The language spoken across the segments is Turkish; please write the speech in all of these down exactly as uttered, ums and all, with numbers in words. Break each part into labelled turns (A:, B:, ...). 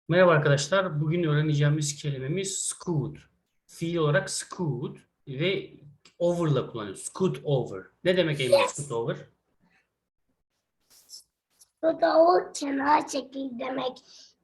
A: Merhaba arkadaşlar. Bugün öğreneceğimiz kelimemiz scoot. Fiil olarak scoot ve over'la kullanıyoruz. Scoot over. Ne demek Eymen scoot over?
B: Bu da o kenar çekil demek.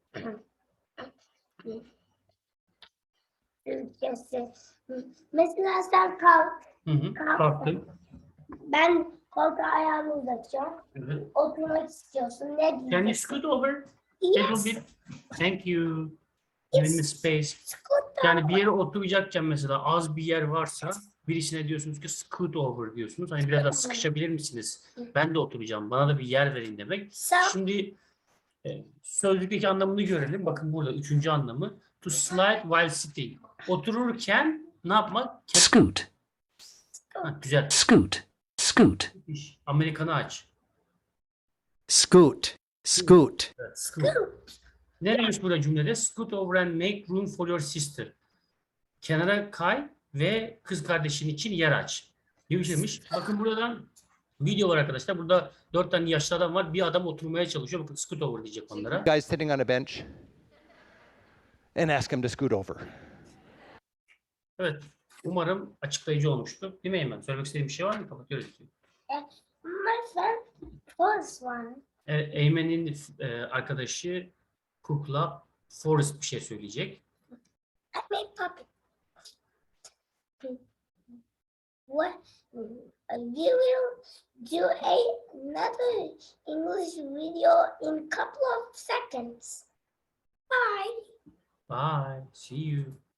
B: Türkçesi. Mesela sen kalk.
A: Hı hı. Kalktım.
B: Ben koltuğa ayağımı uzatacağım.
A: Evet.
B: Oturmak istiyorsun. Ne diyeceksin?
A: Can you scoot over? A little
B: Yes.
A: bit. Thank you. Give me space.
B: Scoot
A: Yani bir
B: over.
A: yere oturacakken mesela az bir yer varsa birisine diyorsunuz ki scoot over diyorsunuz. Hani biraz daha sıkışabilir misiniz? Ben de oturacağım. Bana da bir yer verin demek.
B: Sen
A: Şimdi e, sözlükteki anlamını görelim. Bakın burada üçüncü anlamı. To slide while sitting. Otururken ne yapmak?
C: Scoot,
A: Ha, güzel.
C: scoot, scoot,
A: Amerikanı aç.
D: Scoot, scoot,
A: Evet, scoot. Ne demiş burada cümlede? Scoot over and make room for your sister. Kenara kay ve kız kardeşin için yer aç. Gibi bir şeymiş. Bakın buradan video var arkadaşlar. Burada dört tane yaşlı adam var. Bir adam oturmaya çalışıyor. Bakın scoot over diyecek onlara.
D: guys sitting on a bench and ask him to scoot over.
A: Evet. Umarım açıklayıcı olmuştur. Değil mi Eymen? Söylemek istediğin bir şey var mı? Kapatıyoruz.
B: my friend first one.
A: E, Eymen'in e, arkadaşı Cook'la Forrest bir şey söyleyecek.
B: I made puppet. What? We will do a, another English video in a couple of seconds. Bye.
A: Bye. See you.